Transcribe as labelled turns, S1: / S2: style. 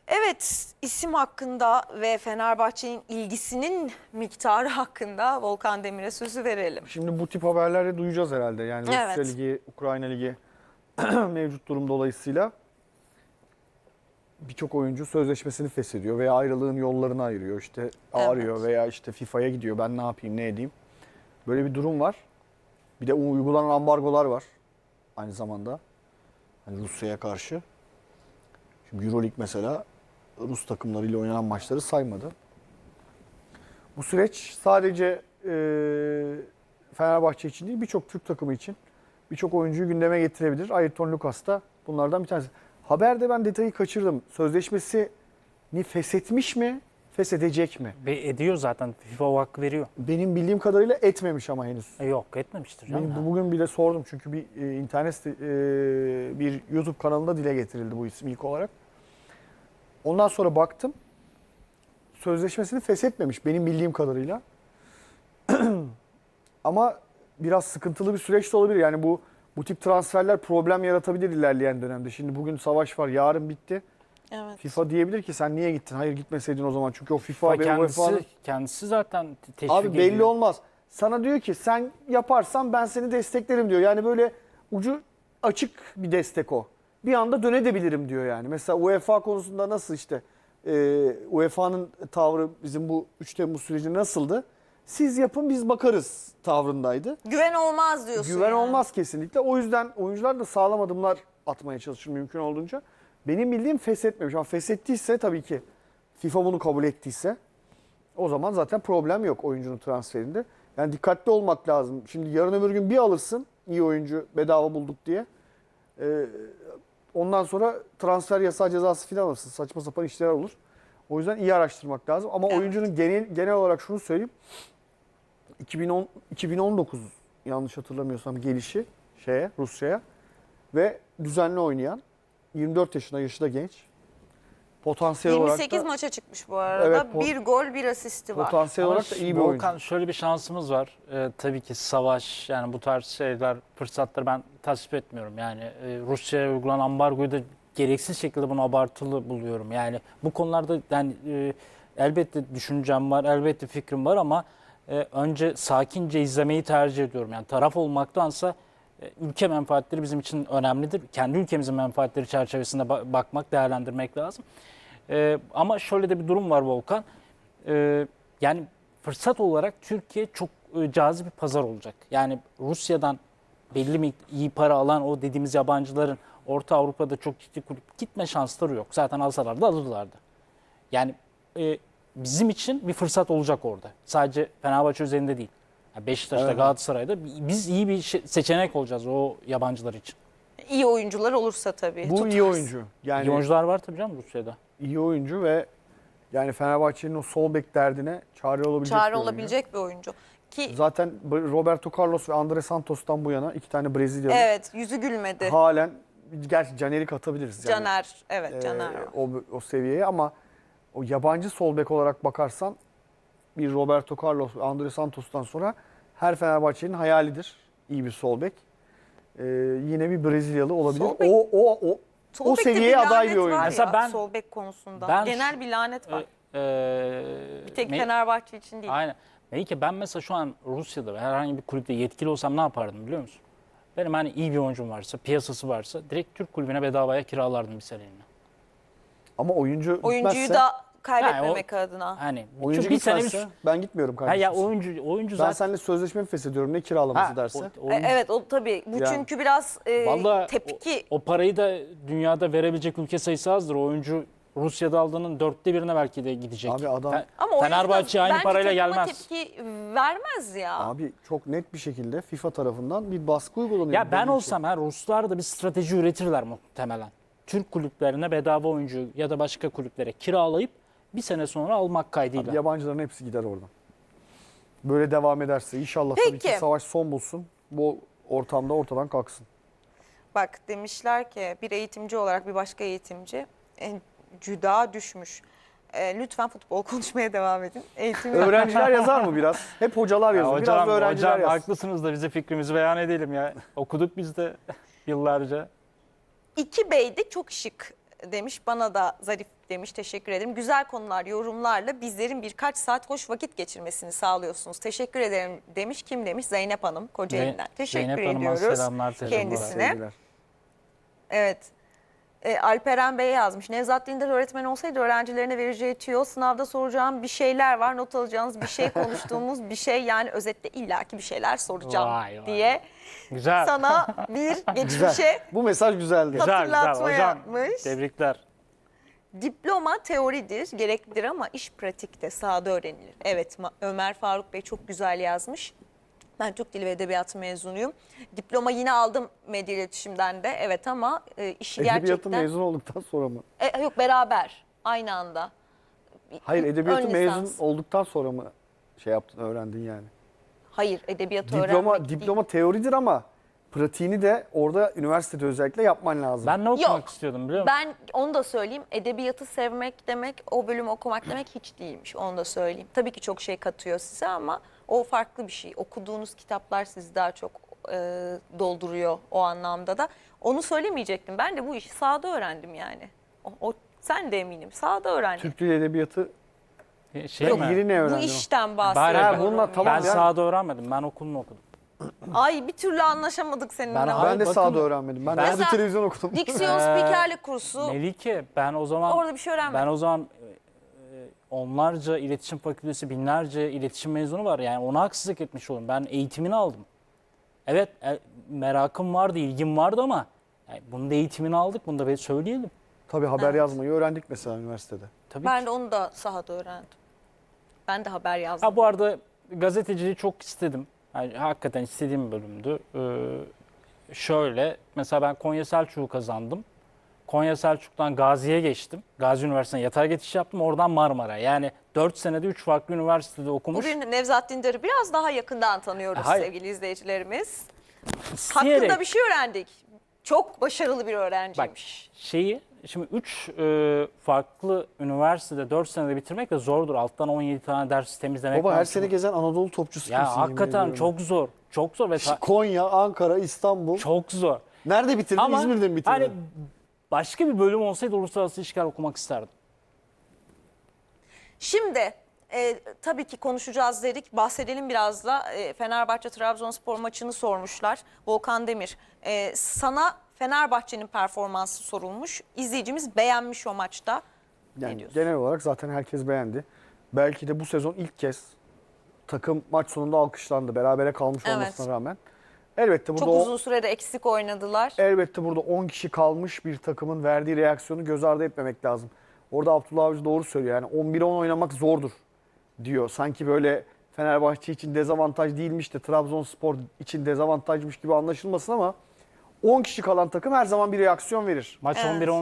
S1: Evet, isim hakkında ve Fenerbahçe'nin ilgisinin miktarı hakkında Volkan Demir'e sözü verelim.
S2: Şimdi bu tip haberleri duyacağız herhalde. Yani Rusya
S1: Evet.
S2: Ligi, Ukrayna Ligi mevcut durum dolayısıyla birçok oyuncu sözleşmesini feshediyor veya ayrılığın yollarını ayırıyor. İşte arıyor veya işte FIFA'ya gidiyor. Ben ne yapayım, ne edeyim? Böyle bir durum var. Bir de uygulanan ambargolar var aynı zamanda. Hani Rusya'ya karşı. Şimdi EuroLeague mesela Rus takımlarıyla oynanan maçları saymadı. Bu süreç sadece Fenerbahçe için değil, birçok Türk takımı için birçok oyuncuyu gündeme getirebilir. Ayrton Lucas da bunlardan bir tanesi. Haberde ben detayı kaçırdım. Sözleşmesini feshetmiş mi, feshedecek mi?
S3: Ve ediyor zaten. FIFA o hakkı veriyor.
S2: Benim bildiğim kadarıyla etmemiş ama henüz.
S3: Yok etmemiştir canım.
S2: Benim bugün bile sordum çünkü bir bir YouTube kanalında dile getirildi bu isim ilk olarak. Ondan sonra baktım. Sözleşmesini feshetmemiş benim bildiğim kadarıyla. Ama biraz sıkıntılı bir süreç de olabilir. Yani bu tip transferler problem yaratabilir ilerleyen dönemde. Şimdi bugün savaş var, yarın bitti.
S1: Evet.
S2: FIFA diyebilir ki sen niye gittin? Hayır gitmeseydin o zaman. Çünkü o FIFA ve UEFA'nın...
S3: Kendisi zaten teşvik
S2: Abi belli
S3: ediyor.
S2: olmaz. Sana diyor ki sen yaparsan ben seni desteklerim diyor. Yani böyle ucu açık bir destek o. Bir anda dönebilirim diyor yani. Mesela UEFA konusunda nasıl işte UEFA'nın tavrı bizim bu 3 Temmuz sürecinde nasıldı? Siz yapın biz bakarız tavrındaydı.
S1: Güven olmaz diyorsun.
S2: Güven
S1: yani.
S2: olmaz kesinlikle. O yüzden oyuncular da sağlam adımlar atmaya çalışır mümkün olduğunca. Benim bildiğim feshetmemiş ama feshettiyse tabii ki FIFA bunu kabul ettiyse o zaman zaten problem yok oyuncunun transferinde. Yani dikkatli olmak lazım. Şimdi yarın öbür gün bir alırsın iyi oyuncu bedava bulduk diye. Ondan sonra transfer yasağı cezası falan alırsın. Saçma sapan işler olur. O yüzden iyi araştırmak lazım. Ama
S1: Evet.
S2: oyuncunun genel olarak şunu söyleyeyim. 2019 yanlış hatırlamıyorsam gelişi Rusya'ya ve düzenli oynayan 24 yaşında yaşı da genç. Potansiyel olarak
S1: 28
S2: da
S1: maça çıkmış bu arada.
S2: Evet,
S1: Bir gol, bir asisti var.
S2: potansiyel
S3: Ama
S2: olarak da iyi bir oyuncu.
S3: Volkan şöyle bir şansımız var. Tabii ki savaş yani bu tarz şeyler, fırsatları ben tasvip etmiyorum. Yani Rusya'ya uygulanan ambargoyu da gereksiz şekilde bunu abartılı buluyorum. Yani bu konularda yani elbette düşüncem var, elbette fikrim var ama önce sakince izlemeyi tercih ediyorum. Yani taraf olmaktansa ülke menfaatleri bizim için önemlidir. Kendi ülkemizin menfaatleri çerçevesinde bakmak, değerlendirmek lazım. Ama şöyle de bir durum var Volkan. Yani fırsat olarak Türkiye çok cazip bir pazar olacak. Yani Rusya'dan belli mi iyi para alan o dediğimiz yabancıların Orta Avrupa'da çok ciddi kulüp gitme şansları yok. Zaten alsalar da alırlardı. Yani bizim için bir fırsat olacak orada. Sadece Fenerbahçe üzerinde değil. Yani Beşiktaş'ta,
S2: Evet.
S3: Galatasaray'da biz iyi bir seçenek olacağız o yabancılar için.
S1: İyi oyuncular olursa tabii.
S2: Bu iyi
S1: tutarız.
S2: oyuncu. Yani
S3: İyi oyuncular var tabii canım Rusya'da.
S2: iyi oyuncu ve yani Fenerbahçe'nin o sol bek derdine çare olabilecek
S1: Çare
S2: bir oyuncu.
S1: olabilecek bir oyuncu. Ki
S2: Zaten Roberto Carlos ve Andre Santos'tan bu yana iki tane Brezilyalı
S1: evet, yüzü gülmedi.
S2: halen, gerçi Caner'i katabiliriz. Yani,
S1: Caner, evet Caner var.
S2: o seviyeye ama o yabancı sol bek olarak bakarsan bir Roberto Carlos ve Andre Santos'tan sonra her Fenerbahçe'nin hayalidir iyi bir sol bek. Yine bir Brezilyalı olabilir.
S1: Sol bek-
S2: O
S1: Sol bekte
S2: seviyeye
S1: bir
S2: aday
S1: lanet
S2: bir oyuncu.
S1: var
S3: Mesela
S1: ya,
S3: ben-
S1: sol bek konusunda.
S3: ben-
S1: Genel bir lanet var. Bir tek
S3: Me-
S1: Fenerbahçe için değil.
S3: Aynen. Melike ben mesela şu an Rusya'da herhangi bir kulüpte yetkili olsam ne yapardım biliyor musun? Benim hani iyi bir oyuncum varsa, piyasası varsa direkt Türk kulübüne bedavaya kiralardım bir seneliğine.
S2: Ama oyuncu
S1: Oyuncuyu
S2: gitmezse,
S1: da kaybetmemek adına.
S3: Hani
S2: oyuncu
S3: bir sene
S2: gitmezse ben gitmiyorum
S3: Ha
S2: kardeşim.
S3: ya oyuncu
S2: Ben
S3: zaten
S2: seninle sözleşme mi feshediyorum ne kiralaması
S3: Ha,
S2: derse.
S1: Evet, o tabii. Bu
S2: Yani.
S1: çünkü biraz
S3: Vallahi
S1: tepki.
S3: o parayı da dünyada verebilecek ülke sayısı azdır. O oyuncu Rusya'da aldığının 1/4'ine belki de gidecek.
S2: Abi adam-
S1: Ama
S3: Fenerbahçe aynı
S1: bence
S3: parayla
S1: takıma
S3: gelmez.
S1: tepki vermez ya.
S2: Abi çok net bir şekilde FIFA tarafından bir baskı uygulanıyor.
S3: Ya ben
S2: Böyle bir
S3: olsam Ruslar da bir strateji üretirler muhtemelen. Türk kulüplerine bedava oyuncu ya da başka kulüplere kiralayıp bir sene sonra almak kaydıyla.
S2: Abi yabancıların hepsi gider oradan. Böyle devam ederse inşallah tabii ki
S1: Peki.
S2: savaş son bulsun. Bu ortamda ortadan kalksın.
S1: Bak demişler ki bir eğitimci olarak bir başka eğitimci cüda düşmüş. Lütfen futbol konuşmaya devam edin. Eğitim
S2: Öğrenciler yazar mı biraz? Hep hocalar
S3: Ya
S2: yazıyor. Biraz da öğrenciler
S3: hocam
S2: yazsın.
S3: haklısınız da bize fikrimizi beyan edelim ya. Okuduk biz de yıllarca.
S1: 2 Bey'de çok şık demiş. Bana da zarif demiş. Teşekkür ederim. Güzel konular, yorumlarla bizlerin birkaç saat hoş vakit geçirmesini sağlıyorsunuz. Teşekkür ederim demiş. Kim demiş? Zeynep Hanım Kocaeli'nden. Teşekkür
S3: Zeynep Hanım'a
S1: ediyoruz
S3: selamlar, teşekkürler.
S1: kendisine.
S2: Sevgiler.
S1: Evet. Alperen Bey yazmış. Nevzat Dindar öğretmen olsaydı öğrencilerine vereceği tüyo, sınavda soracağım bir şeyler var, not alacağınız bir şey, konuştuğumuz bir şey, yani özetle illaki bir şeyler soracağım
S3: Vay vay.
S1: diye
S3: Güzel.
S1: sana bir
S2: Güzel.
S1: geçmişe
S2: Bu mesaj güzeldi.
S3: Güzel,
S1: hatırlatma
S3: Hocam,
S1: yapmış.
S3: tebrikler.
S1: Diploma teoridir, gereklidir ama iş pratikte, sahada öğrenilir. Evet, Ömer Faruk Bey çok güzel yazmış. Ben Türk Dili ve Edebiyatı mezunuyum. Diploma yine aldım medya iletişimden de. Evet ama işi
S2: Edebiyatı
S1: gerçekten...
S2: mezun olduktan sonra mı?
S1: Yok, beraber, aynı anda.
S2: Hayır, edebiyatı
S1: Ön
S2: mezun
S1: lisans.
S2: olduktan sonra mı şey yaptın, öğrendin yani?
S1: Hayır, edebiyatı öğrenmek değil.
S2: Diploma teoridir ama pratiğini de orada üniversitede özellikle yapman lazım.
S3: Ben ne okumak
S1: Yok.
S3: istiyordum biliyor musun?
S1: Ben onu da söyleyeyim. Edebiyatı sevmek demek, o bölümü okumak demek hiç değilmiş. Onu da söyleyeyim. Tabii ki çok şey katıyor size ama o farklı bir şey. Okuduğunuz kitaplar sizi daha çok dolduruyor o anlamda da. Onu söylemeyecektim. Ben de bu işi sahada öğrendim yani. Sen de eminim. Sahada öğrendim.
S2: Türk Dili Edebiyatı
S3: Şey mi?
S2: yeni ne
S1: Bu
S2: öğrendin?
S1: işten
S3: Bari
S1: bahsediyorum.
S2: bununla tamam
S3: Ben
S2: ya.
S3: sahada öğrenmedim. Ben okulunu okudum.
S1: Ay, bir türlü anlaşamadık seninle.
S3: Ben-
S2: Ben
S3: Hayır,
S2: de
S3: bakın-
S2: sahada öğrenmedim. Ben de
S1: Mesela-
S2: televizyon okudum.
S1: Diksiyon spikerlik kursu.
S3: Melike ben o zaman
S1: Orada bir şey öğrenmedim.
S3: ben o zaman onlarca iletişim fakültesi, binlerce iletişim mezunu var. Yani ona haksızlık etmiş oldum. Ben eğitimini aldım. Evet, merakım vardı, ilgim vardı ama yani bunun da eğitimini aldık. Bunu da bir söyleyelim.
S2: Tabii haber
S1: Evet.
S2: yazmayı öğrendik mesela üniversitede.
S3: Tabii
S1: Ben
S3: ki.
S1: de onu da sahada öğrendim. Ben de haber yazdım.
S3: Ha, bu arada gazeteciliği çok istedim. Yani hakikaten istediğim bir bölümdü. Şöyle mesela ben Konya Selçuk'u kazandım. Konya Selçuk'tan Gazi'ye geçtim. Gazi Üniversitesi'ne yatay geçiş yaptım. Oradan Marmara. Yani 4 senede 3 farklı üniversitede okumuş.
S1: Bugün Nevzat Dindar'ı biraz daha yakından tanıyoruz
S3: Hayır.
S1: sevgili izleyicilerimiz.
S3: İsteyerek.
S1: Hakkında bir şey öğrendik. Çok başarılı bir
S3: Bak
S1: öğrenciymiş.
S3: şimdi 3 farklı üniversitede 4 senede bitirmek de zordur. Alttan 17 tane ders temizlemek
S2: Baba her
S3: lazım.
S2: sene gezen Anadolu topçusu
S3: Ya
S2: gibisin, yemin
S3: hakikaten
S2: ediyorum.
S3: çok zor. Çok zor ve
S2: Konya, Ankara, İstanbul.
S3: çok zor.
S2: Nerede bitirdin?
S3: Ama
S2: İzmir'de mi bitirdin?
S3: hani başka bir bölüm olsaydı uluslararası ilişkiler okumak isterdim.
S1: Şimdi tabii ki konuşacağız dedik. Bahsedelim biraz da. Fenerbahçe-Trabzonspor maçını sormuşlar. Volkan Demir. Sana Fenerbahçe'nin performansı sorulmuş. İzleyicimiz beğenmiş o maçta. Ne
S2: Yani
S1: diyorsun?
S2: genel olarak zaten herkes beğendi. Belki de bu sezon ilk kez takım maç sonunda alkışlandı. Berabere kalmış
S1: Evet.
S2: olmasına rağmen. Elbette burada
S1: Çok uzun sürede eksik oynadılar.
S2: elbette burada 10 kişi kalmış bir takımın verdiği reaksiyonu göz ardı etmemek lazım. Orada Abdullah Avcı doğru söylüyor. Yani 11'e 10 oynamak zordur diyor. Sanki böyle Fenerbahçe için dezavantaj değilmiş de Trabzonspor için dezavantajmış gibi anlaşılmasın ama 10 kişi kalan takım her zaman bir reaksiyon verir.
S3: Maç
S1: Evet.
S3: 11'e